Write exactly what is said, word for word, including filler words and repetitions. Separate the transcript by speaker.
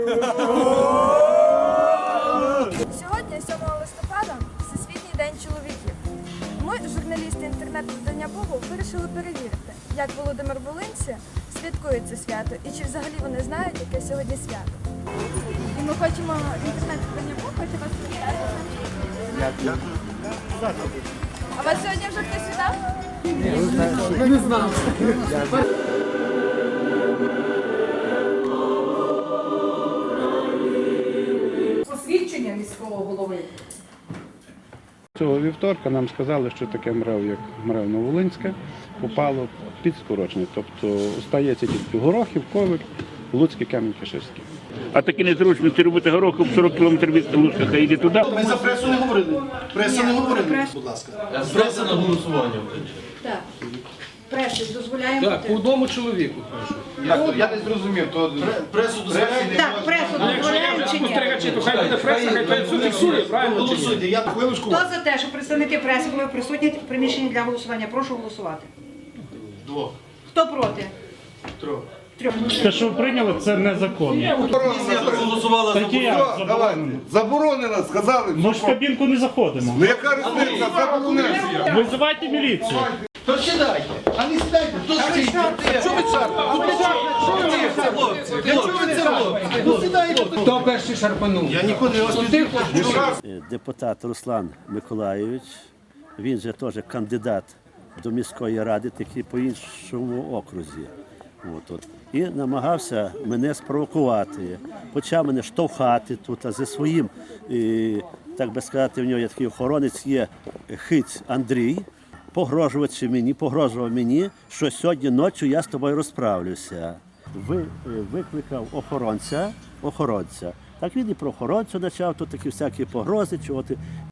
Speaker 1: Сьогодні, сьомого листопада, Всесвітній день чоловіків. Ми, журналісти інтернет-видання Богу, вирішили перевірити, як Володимир Волинці святкує це свято і чи взагалі вони знають, яке сьогодні свято. І ми хочемо інтернет-видання Богу, хоче вас привітати. А вас сьогодні вже хтось вітав?
Speaker 2: Ні, не знав.
Speaker 3: Посвідчення міського голови.
Speaker 4: Цього вівторка нам сказали, що таке МРЕВ, як МРЕВ Нововолинське, попало під скорочення. Тобто стається тільки Горохів, Ковель, Луцький, Камінь-Каширський.
Speaker 5: А такі незручності робити горохом сорок кілометрів від Луцька, хай йде туди.
Speaker 2: Ми за пресу не говорили. Преса не говорили, будь ласка.
Speaker 6: Преса на голосування.
Speaker 3: Так. Преси дозволяємо.
Speaker 7: Так, по одному чоловіку прошу.
Speaker 2: Так, я не зрозумів, то пресу дозволяє.
Speaker 3: Так, пресу дозволяємо чи ні?
Speaker 7: Спостерігачі, то хай буде преса, хай той все фіксує, правильно чи ні?
Speaker 2: Голосуйте, я хвилиночку.
Speaker 3: Хто за те, що представники преси були присутні в приміщенні для голосування? Прошу голосувати.
Speaker 2: Двох.
Speaker 3: Хто проти?
Speaker 2: Трьох.
Speaker 3: Трьох.
Speaker 8: Те, що ви прийняли, це незаконно.
Speaker 6: Голосувала за
Speaker 8: Так і як заборонено?
Speaker 9: Заборонено, сказали.
Speaker 8: Ми ж в кабінку не заходимо.
Speaker 9: Ну яка різниця? Заборонено.
Speaker 8: Визивайте міліцію.
Speaker 2: То сідайте, а не сідайте, то стоїть. Що ви шарпаєте? Для чого ви це робите? Ну сідайте.
Speaker 7: Хто перший шарпанув?
Speaker 2: Я ніколи не вас не
Speaker 10: Депутат Руслан Миколайович, він же теж кандидат до міської ради, такий по іншому окрузі. От, от. І намагався мене спровокувати, почав мене штовхати тут, а зі своїм, і, так би сказати, в нього є такий охоронець, є Хиць Андрій, погрожуючи мені, погрожував мені, що сьогодні ночі я з тобою розправлюся. Ви, викликав охоронця, охоронця. Так він і про охоронцю почав, тут такі всякі погрози, чого ти.